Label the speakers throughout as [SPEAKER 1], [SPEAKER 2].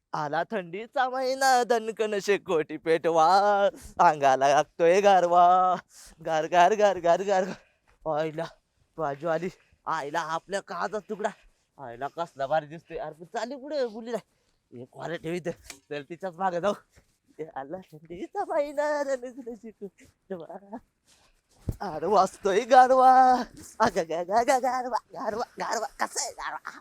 [SPEAKER 1] आला थंडीचा महिना दणकन शेकोटी पेटवा अंगाला लागतोय गारवा गार गार गार गार गार आईला बाजू आली आईला आपल्या काचा तुकडा आईला कसला भारी दिसतोय अरे चालली पुढे बोलली नाही एक वारे ठेवी तर तिच्याच मागे जाऊ आला थंडीचा महिना दणकन शेकोटी पेटवा अरे वाचतोय गारवा अग गारवा गारवा गारवा कसा आहे गारवा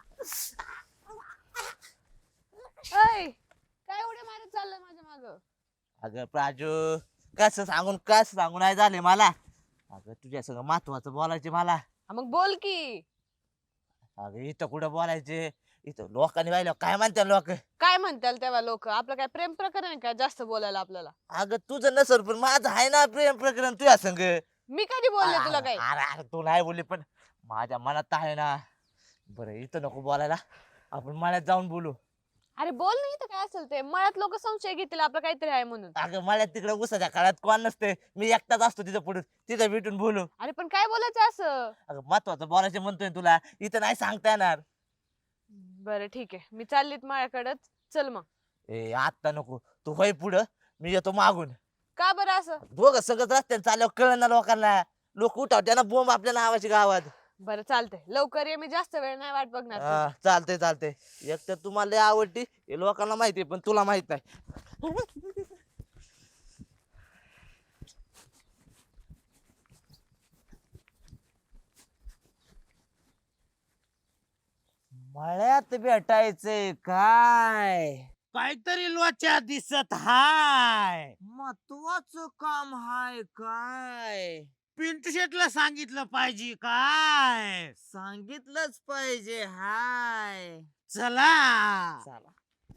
[SPEAKER 2] अय काय उड्या मारत चाललंय माझ्या माग?
[SPEAKER 1] अगं प्राजू कसं सांगून नाही झाले मला अगं तुझ्या सगळं महत्वाचं बोलायचे मला
[SPEAKER 2] मग बोल की.
[SPEAKER 1] अगं इथं कुठं बोलायचे इथं लोकांनी पाहिलं काय म्हणतात लोक
[SPEAKER 2] काय म्हणताल तेव्हा लोक? आपलं काय प्रेम प्रकरण आहे काय जास्त बोलायला आपल्याला?
[SPEAKER 1] अगं तुझं नसल पण माझं आहे ना प्रेम प्रकरण तुझ्या संग
[SPEAKER 2] मी कधी बोलले तुला
[SPEAKER 1] अरे
[SPEAKER 2] काय?
[SPEAKER 1] अरे अरे, तू नाही बोलली पण माझ्या मनात तर आहे ना बरं इथं नको बोलायला आपण मळ्यात जाऊन बोलू
[SPEAKER 2] अरे बोल नाही तर काय असेल ते. मळ्यात लोक संशय घेतील आपलं काहीतरी आहे म्हणून.
[SPEAKER 1] अगं मळ्यात तिकडे उसाच्या काळात कोण नसते मी एकटाच असतो तिथं पुढे तिथं भेटून बोलू
[SPEAKER 2] अरे पण काय बोलायचं असं?
[SPEAKER 1] अगं महत्वाचं बोलायचं म्हणतोय तुला इथं नाही सांगता येणार
[SPEAKER 2] बरं ठीक आहे, मी चाललीत मळ्याकडच. चल मग.
[SPEAKER 1] ए आता नको तू होय पुढं मी येतो मागून
[SPEAKER 2] का बरं असं?
[SPEAKER 1] दोघं सगळं रस्त्याने चालल्यावर कळलं ना लोकांना लोक उठावते ना बोंब आपल्या नावाची गावात
[SPEAKER 2] बरं चालतंय, लवकर ये. मी जास्त वेळ नाही वाट बघणार तुझी.
[SPEAKER 1] हा, चालतंय चालतंय एक तर तुम्हाला लय आवडती हे लोकांना माहिती पण तुला माहित नाही मळ्यात भेटायचंय काय
[SPEAKER 3] काहीतरी लोचा दिसत हाय.
[SPEAKER 1] महत्वाचं काम हाय काय
[SPEAKER 3] पिंटू शेटला सांगितलं पाहिजे काय.
[SPEAKER 1] सांगितलंच पाहिजे हाय
[SPEAKER 3] चला.
[SPEAKER 1] चला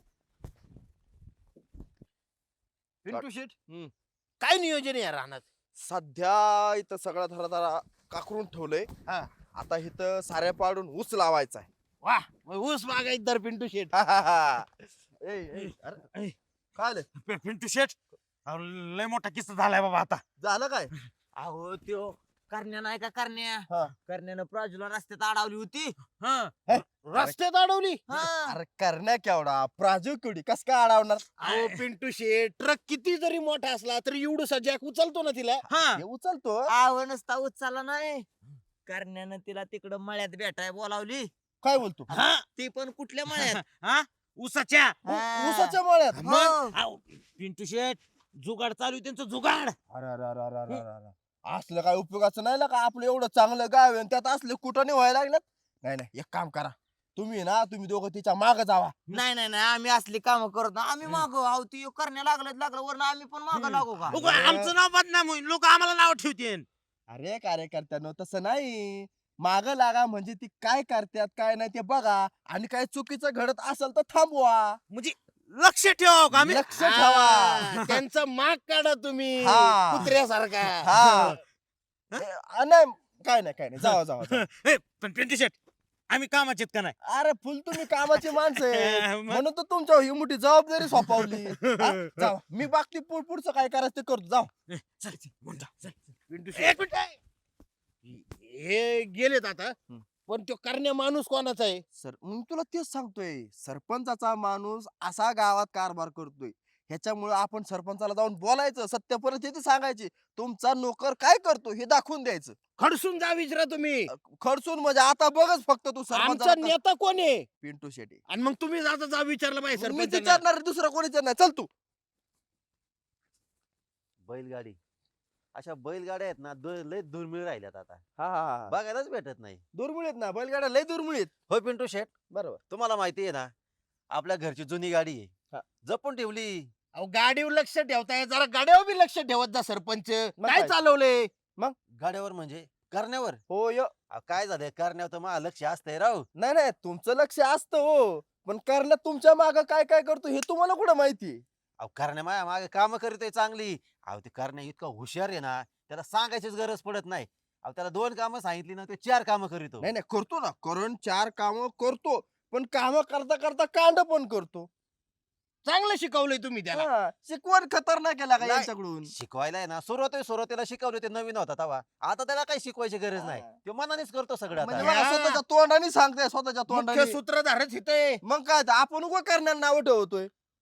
[SPEAKER 4] पिंटू शेट
[SPEAKER 3] काय नियोजन आहे या रानात?
[SPEAKER 4] सध्या इथं सगळा धराधरा काकरून ठेवलंय.
[SPEAKER 3] हा.
[SPEAKER 4] आता इथं साऱ्या पाडून ऊस लावायचा आहे.
[SPEAKER 3] वा ऊस बागायत तर पिंटू शेट.
[SPEAKER 4] ए, ए, अरे, काय आलं?
[SPEAKER 3] पिंटू शेट अहो, लय मोठा किस्सा झालाय बाबा आता.
[SPEAKER 4] झालं काय?
[SPEAKER 1] अहो त्यो करण्या नाही का करण्या
[SPEAKER 4] हा.
[SPEAKER 1] करण्यानं प्राजूला रस्त्यात अडवली होती
[SPEAKER 3] रस्त्यात अडवली.
[SPEAKER 4] अरे करण्या केवढा प्राजू केवढी कस काय अडवणार?
[SPEAKER 3] अहो पिंटू शेट ट्रक किती जरी मोठा असला तरी एवढं जॅक उचलतो ना तिला.
[SPEAKER 4] हे उचलतो.
[SPEAKER 1] आव नसता उचलला नाही करण्यानं तिला तिकडं मळ्यात भेटाय बोलावली
[SPEAKER 4] काय बोलतो?
[SPEAKER 3] हा
[SPEAKER 1] ती पण कुठल्या मळ्यात
[SPEAKER 3] हा ऊसाच्या.
[SPEAKER 4] ऊसाच्या मळ्यात.
[SPEAKER 1] हो.
[SPEAKER 3] मग अहो, पिंटू शेट जुगाड चालू आहे त्यांचं जुगाड.
[SPEAKER 4] अरे अरे अरे अरे अरे अरे अरे. असलं काय उपयोगाचं नाही ना का आपलं एवढं चांगलं गाव आहे आणि त्यात असले कुठं व्हायला लागल्यात. नाही नाही एक काम करा तुम्ही दोघं तिच्या माग जावा.
[SPEAKER 1] नाही नाही नाही आम्ही असली काम करत नाही आम्ही मागो आहो ती करण्या लागलं वरनं आम्ही पण मागं लागू का
[SPEAKER 3] उगा आमचं नाव बदनाम होईल, लोक आम्हाला नाव ठेवतील.
[SPEAKER 4] अरे कार्यकर्त्यांनो तसं नाही. माग लागा म्हणजे ती काय करतात काय नाही ते बघा आणि काय चुकीचं घडत असेल तर थांबवा.
[SPEAKER 3] म्हणजे लक्ष ठेवा का आम्ही?
[SPEAKER 4] लक्ष ठेवा.
[SPEAKER 3] हा, त्यांचा माग काढा तुम्ही
[SPEAKER 4] हा.
[SPEAKER 3] कुत्र्यासारखा.
[SPEAKER 4] हा. नाही काय नाही जावा जावा जावा.
[SPEAKER 3] ए, पण पिंटू शेट आम्ही कामाचे आहेत का नाही?
[SPEAKER 4] अरे फुल तुम्ही कामाची माणसं आहे.
[SPEAKER 3] मग?
[SPEAKER 4] म्हणून तर तुमच्यावर ही मोठी जबाबदारी सोपवली. हा? जावा मी बाकी पुढचं काय करायचं ते करतो जाऊ.
[SPEAKER 3] ए, चल, चल, म्हणून जा, चल. एक मिनिट आहे. हे गेलेत आता पण तो करण्या माणूस कोणाचा आहे?
[SPEAKER 4] सर मग तुला तेच सांगतोय सरपंचाचा माणूस असा गावात कारभार करतोय ह्याच्यामुळे आपण सरपंचाला जाऊन बोलायचं सत्य परिस्थिती सांगायची तुमचा नोकर काय करतो हे दाखवून द्यायचं.
[SPEAKER 3] खडसून जा विचारा तुम्ही.
[SPEAKER 4] खर्चून म्हणजे आता बघच फक्त तू
[SPEAKER 3] आमचा
[SPEAKER 4] सरपंचाला
[SPEAKER 3] नेता कोण आहे?
[SPEAKER 4] पिंटू शेट्टी.
[SPEAKER 3] आणि मग तुम्ही आता जा विचारलं पाहिजे
[SPEAKER 4] मी
[SPEAKER 3] सरपंचांना.
[SPEAKER 4] विचारणार दुसरं कोणी विचारणार चल तू.
[SPEAKER 5] बैलगाडी अशा बैलगाड्या आहेत ना लय दुर्मिळ राहिल्यात आता
[SPEAKER 4] हा हा हा
[SPEAKER 5] बघायलाच भेटत नाही.
[SPEAKER 4] दुर्मिळीत ना बैलगाड्या लय दुर्मिळीत.
[SPEAKER 5] होय पिंटू शेट
[SPEAKER 4] बरोबर.
[SPEAKER 5] तुम्हाला माहिती आहे ना आपल्या घरची जुनी गाडी
[SPEAKER 4] हा.
[SPEAKER 5] आहे जपून ठेवली.
[SPEAKER 3] अहो गाडीवर लक्ष ठेवताय जरा गाड्यावर बी लक्ष ठेवत जा सरपंच.
[SPEAKER 4] मग
[SPEAKER 3] काय
[SPEAKER 4] काय?
[SPEAKER 3] चालवलंय?
[SPEAKER 5] गाड्यावर म्हणजे करण्यावर
[SPEAKER 4] हो य
[SPEAKER 5] काय झालं करण्यावर तर मला लक्ष असतंय राव.
[SPEAKER 4] नाही नाही तुमचं लक्ष असतं हो पण करण्यात तुमच्या माग काय काय करतो हे तुम्हाला कुठं माहिती.
[SPEAKER 5] अहो करण्या माझ्या मागे काम करतोय चांगली. अहो ते करण्या इतका हुशार आहे ना त्याला सांगायचीच गरज पडत नाही. अहो त्याला 2 कामं सांगितली ना ते 4 कामं करीतो.
[SPEAKER 4] नाही नाही करतो ना करून 4 काम करतो पण काम करता करता कांड पण करतो.
[SPEAKER 3] चांगलं शिकवलंय तुम्ही त्याला.
[SPEAKER 4] हा, शिकवण खतरनाक केला का
[SPEAKER 5] नाही.
[SPEAKER 4] यांच्याकडून.
[SPEAKER 5] शिकवायला आहे ना सुरुवातीला शिकवले ते नवीन होता तेव्हा आता त्याला काही शिकवायची गरज नाही.
[SPEAKER 4] हा.
[SPEAKER 5] तो मनानेच करतो सगळं
[SPEAKER 4] म्हणजे
[SPEAKER 5] आता.
[SPEAKER 4] बघा, स्वतःच्या तोंडाने सांगताय स्वतःच्या
[SPEAKER 3] मुख्य
[SPEAKER 4] तोंडाने.
[SPEAKER 3] सूत्रधारच इथे.
[SPEAKER 4] मग काय तर आपण उगा करण्याला नाव ठेवतोय.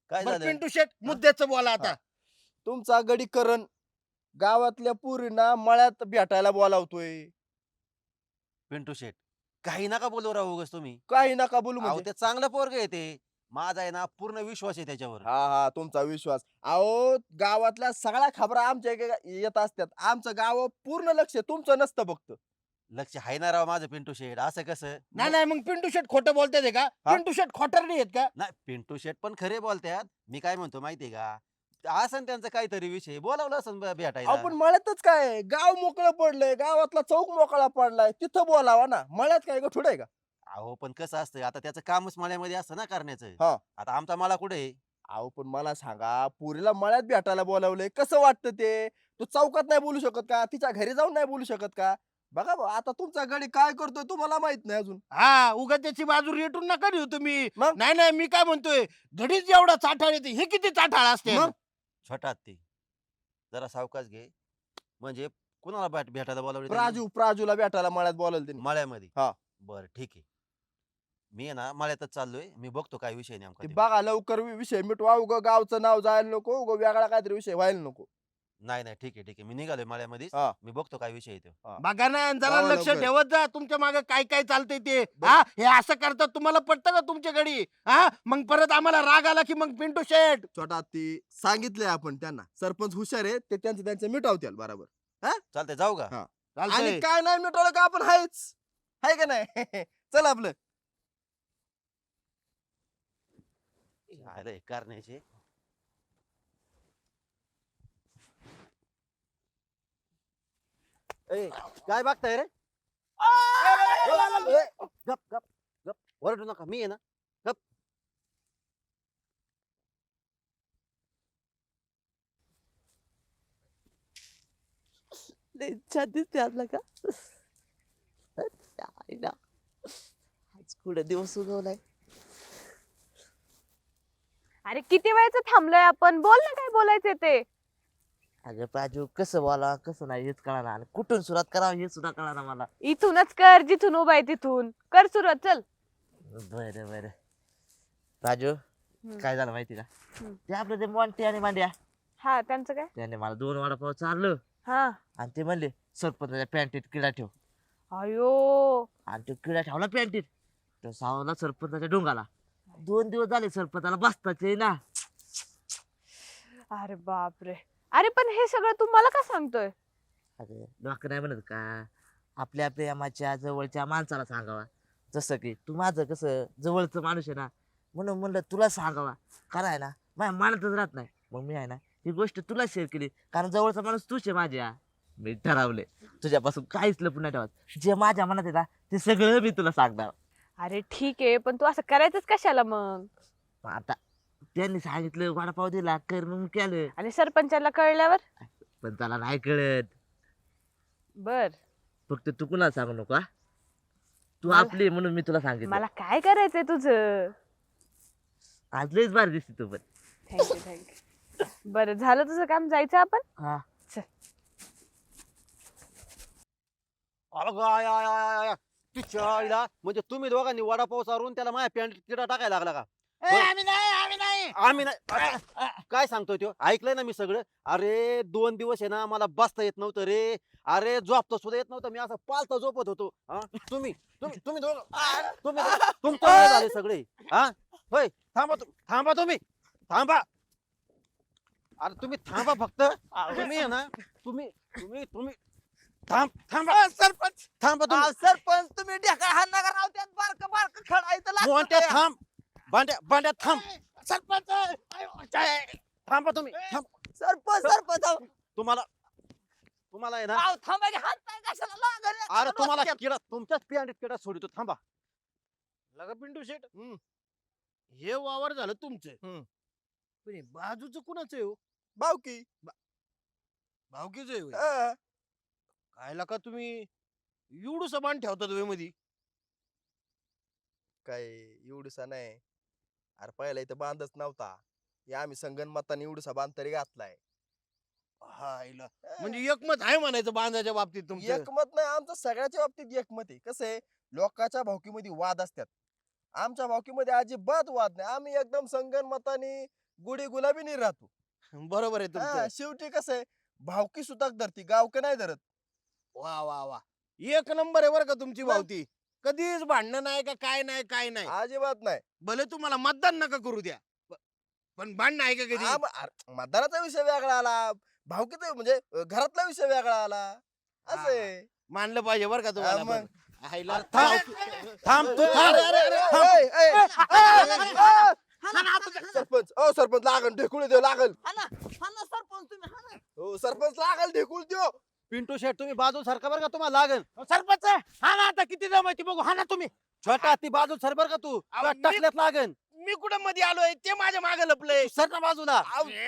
[SPEAKER 5] काय
[SPEAKER 3] बरं
[SPEAKER 5] झालं
[SPEAKER 3] पिंटू शेट मुद्द्याचं बोला आता.
[SPEAKER 4] हा. तुमचा गडी करण गावातल्या पुरींना मळ्यात भेटायला बोलावतोय.
[SPEAKER 5] पिंटू शेट काही नका बोलू राहू उगाच तुम्ही.
[SPEAKER 4] काही नका बोलू
[SPEAKER 5] अहो
[SPEAKER 4] म्हणजे.
[SPEAKER 5] ते चांगलं पोरग आहे ते. माझा आहे ना पूर्ण विश्वास आहे त्याच्यावर.
[SPEAKER 4] हा हा तुमचा विश्वास. अहो गावातल्या सगळ्या खबरा आमच्या इकडे येत असतात. आमचं गाव पूर्ण लक्ष तुमचं नसतं फक्त.
[SPEAKER 5] लक्ष आहे ना राव माझं पिंटू शेट. असं कसं
[SPEAKER 3] नाही नाही मग पिंटू शेट खोटं बोलतात का?
[SPEAKER 4] हा?
[SPEAKER 3] पिंटू शेट खोटरडी आहेत का?
[SPEAKER 5] नाही पिंटू शेट पण खरे बोलतात. मी काय म्हणतो माहितीये का असं त्यांचा काहीतरी विषय बोलावलं असं भेटायला.
[SPEAKER 4] अहो पण मळ्यातच काय गाव मोकळं पडलंय, गावातला चौक मोकळा पडलाय, तिथं बोलावा ना. मळ्यात काय गठुड आहे का?
[SPEAKER 5] अहो पण कसं असतं आता त्याचं कामच मळ्यामध्ये असतं ना करण्याचं.
[SPEAKER 4] हा.
[SPEAKER 5] आता आमचा मला कुठे आहे?
[SPEAKER 4] अहो पण मला सांगा, पुरीला मळ्यात भेटायला बोलावलंय, कसं वाटतं ते? तू चौकात नाही बोलू शकत का? तिच्या घरी जाऊन नाही बोलू शकत का? बघा भाऊ, आता तुमचा गडी काय करतोय तुम्हाला माहित नाही अजून.
[SPEAKER 3] हा उगा त्याची बाजू रेटून नका देऊ तुम्ही.
[SPEAKER 4] मग?
[SPEAKER 3] नाही नाही मी काय म्हणतोय घडीच एवढा चाठाळ येते हे किती चाठाळ असते.
[SPEAKER 4] मग?
[SPEAKER 5] छोटा ते जरा सावकाश घे. म्हणजे कुणाला भेटायला बोलावले
[SPEAKER 4] प्राजूला भेटायला मळ्यात बोलावलं त्यांनी.
[SPEAKER 5] मळ्यामध्ये?
[SPEAKER 4] हा.
[SPEAKER 5] बरं ठीक आहे. मी आहे ना मळ्यातच चाललोय. मी बघतो काय विषय नेमका
[SPEAKER 4] ते
[SPEAKER 5] ते.
[SPEAKER 4] बघा लवकर विषय मिटवा. उगं गावचं नाव जायला नको, उगं वेगळा काहीतरी विषय व्हायला नको.
[SPEAKER 5] नाही नाही ठीक आहे ठीक आहे. मी निघालोय मळ्यामध्येच.
[SPEAKER 4] हा.
[SPEAKER 5] मी बघतो काय विषय आहे तो.
[SPEAKER 3] बघा ना जरा
[SPEAKER 4] जावा
[SPEAKER 3] लक्ष
[SPEAKER 4] लवकर.
[SPEAKER 3] ठेवत जा तुमच्या मागे काय काय चालतंय ते. हा हे असं करतात तुम्हाला पटतं का तुमच्या घडी? हा मग परत आम्हाला राग आला की मग पिंटू शेट.
[SPEAKER 4] छोटा ती सांगितलंय आपण त्यांना. सरपंच हुशार आहे, ते त्यांचं मिटवतील बरोबर.
[SPEAKER 5] चालतंय जाऊ का?
[SPEAKER 4] हा.
[SPEAKER 3] चालतंय.
[SPEAKER 4] आणि काय नाही मिटवलं का आपण हायच. हाय का नाही? चल आपलं.
[SPEAKER 5] अरे करण्याचे ए, काय बघताय रे? गप गप गप ओरडू नका. मी आहे ना. गप.
[SPEAKER 1] लय छान दिसते आपला का आईला. आज कुठे दिवस उगवलाय.
[SPEAKER 2] अरे किती वेळचं थांबलोय आपण, बोल ना काय बोलायचं ते.
[SPEAKER 1] अगं प्राजू कसं बोला कसं नाही हेच कळा आणि कुठून सुरुवात करावं हे सुद्धा कळा मला.
[SPEAKER 2] इथूनच कर, जिथून उभा आहे तिथून कर सुरुवात, चल.
[SPEAKER 1] बरं बरं राजू काय झालं माहिती का? ते आपलं ते मोंटी आणि मांड्या
[SPEAKER 2] हा त्यांचं काय?
[SPEAKER 1] त्याने मला 2 वडापाव चारलं
[SPEAKER 2] हा.
[SPEAKER 1] आणि ते म्हणले सरपंचाच्या पॅन्टीत किडा ठेव.
[SPEAKER 2] अयो.
[SPEAKER 1] आणि तो किडा ठेवला पॅन्टीत. तो सावला सरपंचाच्या डोंगाला. 2 दिवस झाले सरपंचाला बसताच ना.
[SPEAKER 2] अरे बापरे. अरे पण हे सगळं तू मला का सांगतोय?
[SPEAKER 1] अरे लोक नाही म्हणत का आपल्या प्रेमाच्या जवळच्या माणसाला सांगावा. जसं की तू माझं कसं जवळचं माणूस आहे ना, म्हणून म्हणलं तुला सांगावा. कारण आहे ना माझ्या मनातच राहत नाही. मग मी आहे ना ही गोष्ट तुला शेअर केली कारण जवळचा माणूस तूच आहे माझ्या. मी ठरवले तुझ्यापासून काहीच लपून नाही ठेवत. जे माझ्या मनात आहे ना ते सगळं मी तुला सांगणार.
[SPEAKER 2] अरे ठीक आहे पण तू असं करायचंच कशाला मग?
[SPEAKER 1] मग आता त्यांनी सांगितलं वडापाव दिला कर मग केलं.
[SPEAKER 2] आणि सरपंचाला कळल्यावर?
[SPEAKER 1] पण त्याला नाही कळत.
[SPEAKER 2] बर.
[SPEAKER 1] फक्त तू कुणाला सांगू नको हा? तू
[SPEAKER 2] मला-
[SPEAKER 1] आपली म्हणून मी तुला सांगितलं.
[SPEAKER 2] मला काय करायचंय तुझं?
[SPEAKER 1] आज लयच भारी दिसते तू पण.
[SPEAKER 2] Thank you thank you. बरं झालं तुझं काम, जायचं आपण?
[SPEAKER 1] हा
[SPEAKER 5] अगं, आय, आय, आय, आय. तिच्या आईला म्हणजे तुम्ही दोघांनी वडापाव चारून त्याला माझ्या पॅन्ट किडा टाकायला लागला का?
[SPEAKER 3] आम्ही नाही.
[SPEAKER 5] आम्ही नाही. काय सांगतोय तो? ऐकलंय ना मी सगळं. अरे 2 दिवस आहे ना मला बसता येत नव्हतं रे. अरे झोपता सुद्धा येत नव्हतं. मी असं पालता झोपत होतो. हा? तुम्ही तुम्ही तुम्ही दोघं तुम्ही दोघं- तुमच्यामुळे झाले सगळे. हा होय थांबा तुम्ही थांबा. अरे तुम्ही थांबा फक्त. तुम्ही आहे ना तुम्ही तुम्ही तुम्ही थांबा
[SPEAKER 3] सरपंच
[SPEAKER 5] थांबा तुम्ही.
[SPEAKER 1] सरपंच तुम्ही ढेका हा नगर राव त्यात बारक बारक खडायचं
[SPEAKER 5] मोठ्या थांब. भांड्या थांब.
[SPEAKER 3] सरपंच
[SPEAKER 5] थांबा तुम्ही
[SPEAKER 1] सरपंच
[SPEAKER 5] तुम्हाला आहे ना.
[SPEAKER 1] थांबा की हात पाय कशाला लागले?
[SPEAKER 5] अरे तुम्हाला किडा तुमच्याच पिंडीत किडा सोडितो. थांबा.
[SPEAKER 3] लगा पिंटू शेट हे वावर झालं तुमचं. पण हे बाजूचं कुणाचं आहे हो?
[SPEAKER 4] बावकी.
[SPEAKER 3] भावकीचं आहे होय?
[SPEAKER 4] हा.
[SPEAKER 3] काय लका तुम्ही एवढं सामान ठेवतात वे मध्ये?
[SPEAKER 4] काय एवढूसा नाही. अरे पहिला इथं बांधच नव्हता. हे आम्ही संगणमताने एवढूसा बांध तरी घातलाय.
[SPEAKER 3] हायला. म्हणजे एकमत आहे म्हणायचं बांधाच्या बाबतीत तुमचं.
[SPEAKER 4] एकमत नाही आमचं सगळ्याच्या बाबतीत एकमत आहे. कसं आहे लोकांच्या भावकीमध्ये वाद असतात. आमच्या भावकीमध्ये अजिबात वाद नाही. आम्ही एकदम संगणमताने गुढी गुलाबी नाही राहतो.
[SPEAKER 3] बरोबर आहे तुमचं.
[SPEAKER 4] शेवटी कसं आहे, भावकी सुताक धरती गावक नाही धरत.
[SPEAKER 3] वा वा वा, एक नंबर आहे बरं का तुमची भावती. कधीच भांडणं नाही का काय नाही काय नाही.
[SPEAKER 4] अजिबात नाही.
[SPEAKER 3] भले तुम्हाला मतदान नका करू द्या, पण भांडणं आहे का कधी?
[SPEAKER 4] मतदानाचा विषय वेगळा आला, भावकीचा म्हणजे घरातला विषय वेगळा आला. असं आहे.
[SPEAKER 3] मानलं पाहिजे बरं का तुम्हाला.
[SPEAKER 4] मग.
[SPEAKER 3] पण. आईला-
[SPEAKER 5] थांब तू थांब.
[SPEAKER 3] अरे, अरे, अरे,
[SPEAKER 5] थांब.
[SPEAKER 4] ए, ए, ए, सरपंच सरपंच लागल ढेकुळ देऊ लागल. हो सरपंच लागल ढेकुळ देऊ.
[SPEAKER 5] पिंटू शेट तुम्ही बाजू सरका बरं का, तुम्हाला लागेल.
[SPEAKER 3] सरपंच हा ना, आता किती जमायची बघू. हा ना तुम्ही.
[SPEAKER 5] छोटा ती बाजू सर बरं का तू,
[SPEAKER 3] अहो,
[SPEAKER 5] तुला
[SPEAKER 3] मी-
[SPEAKER 5] टाकल्यात लागेल.
[SPEAKER 3] मी कुठं मध्ये आलोय, ते माझ्या मागे लपलंय.
[SPEAKER 5] सर ना बाजूला.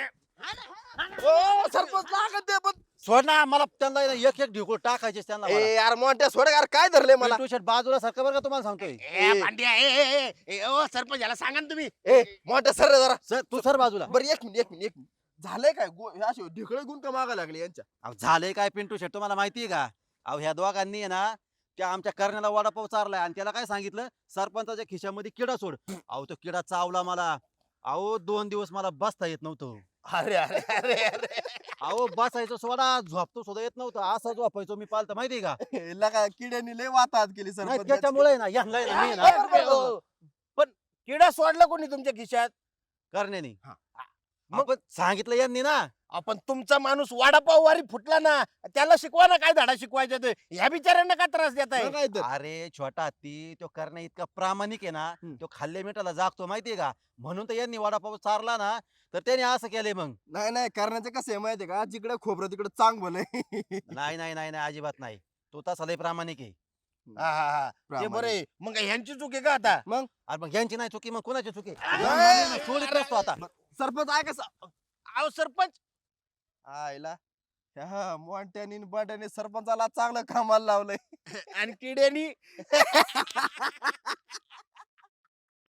[SPEAKER 4] हो सरपंच लागल ते पण.
[SPEAKER 5] सोड ना, मला त्यांना एक एक ढिकूळ टाकायचे त्यांना मला.
[SPEAKER 4] ए यार मोठ्या सोड यार काय धरले मला.
[SPEAKER 5] पिंटू शेट बाजूला सरका बरं का, तुम्हाला सांगतोय.
[SPEAKER 3] ए, भांड्या, ओ सरपंच याला सांगा ना तुम्ही.
[SPEAKER 4] ए मोठ्या सर जरा.
[SPEAKER 5] सर तू सर बाजूला.
[SPEAKER 4] बरं एक मिनिट झालंय काय हे असे ढेकळे गुण का मागा लागले यांच्या.
[SPEAKER 5] अहो, झालंय काय पिंटू शेट तुम्हाला माहितीये का? अहो ह्या दोघांनी आहे ना त्या आमच्या करण्याला वडापाव चारलाय आणि त्याला काय सांगितलं, सरपंचाच्या खिशामध्ये किडा सोड. अहो तो किडा चावला मला. अहो 2 दिवस मला बसता येत नव्हतं.
[SPEAKER 3] अरे अरे अरे अरे.
[SPEAKER 5] अहो बसायचं सोडा, झोपतो सुद्धा येत नव्हतं. असं झोपायचो मी पालत माहितीये का?
[SPEAKER 4] लगा किड्यानी लय वाताहत केली
[SPEAKER 5] नाही
[SPEAKER 4] सरपंच.
[SPEAKER 5] त्याच्यामुळे ना यांना आहे ना, मी आहे
[SPEAKER 3] बरं,
[SPEAKER 5] ना
[SPEAKER 3] बरं, बरं. पण किडा सोडला कोणी तुमच्या खिशात?
[SPEAKER 5] करण्यानी.
[SPEAKER 3] हा.
[SPEAKER 5] मग सांगितलं यांनी ना.
[SPEAKER 3] आपण तुमचा माणूस वडापाव वारी फुटला ना, त्याला शिकवा ना काय धडा शिकवायचा ते. ह्या बिचाऱ्यांना काय त्रास देताय?
[SPEAKER 4] मग काय तर.
[SPEAKER 5] अरे छोटा हत्ती तो करण्या इतका प्रामाणिक आहे ना,
[SPEAKER 4] हम्म.
[SPEAKER 5] तो खाल्ल्या मिठाला जागतो माहितीये का? म्हणून तर यांनी वडापाव चारला ना, तर त्याने असं केलंय मग.
[SPEAKER 4] नाही करण्याचं कसं आहे माहितीये का, जिकडे खोबरं तिकडे चांग भलंय.
[SPEAKER 5] नाही नाही नाही नाही अजिबात नाही. तो तसा लय प्रामाणिक आहे.
[SPEAKER 3] हा हा हा, ते बरे. मग काय ह्यांची चूक आहे का आता?
[SPEAKER 5] अरे मग यांची नाही चुकी मग कोणाची चुकी?
[SPEAKER 3] अरे,
[SPEAKER 5] सोडित नसतो आता.
[SPEAKER 4] सरपंच आहे कसं
[SPEAKER 3] अहो सरपंच,
[SPEAKER 4] आयला ह्या मोठ्यानी बाट्याने सरपंचाला चांगलं कामाला लावलंय.
[SPEAKER 3] आणि किड्यानी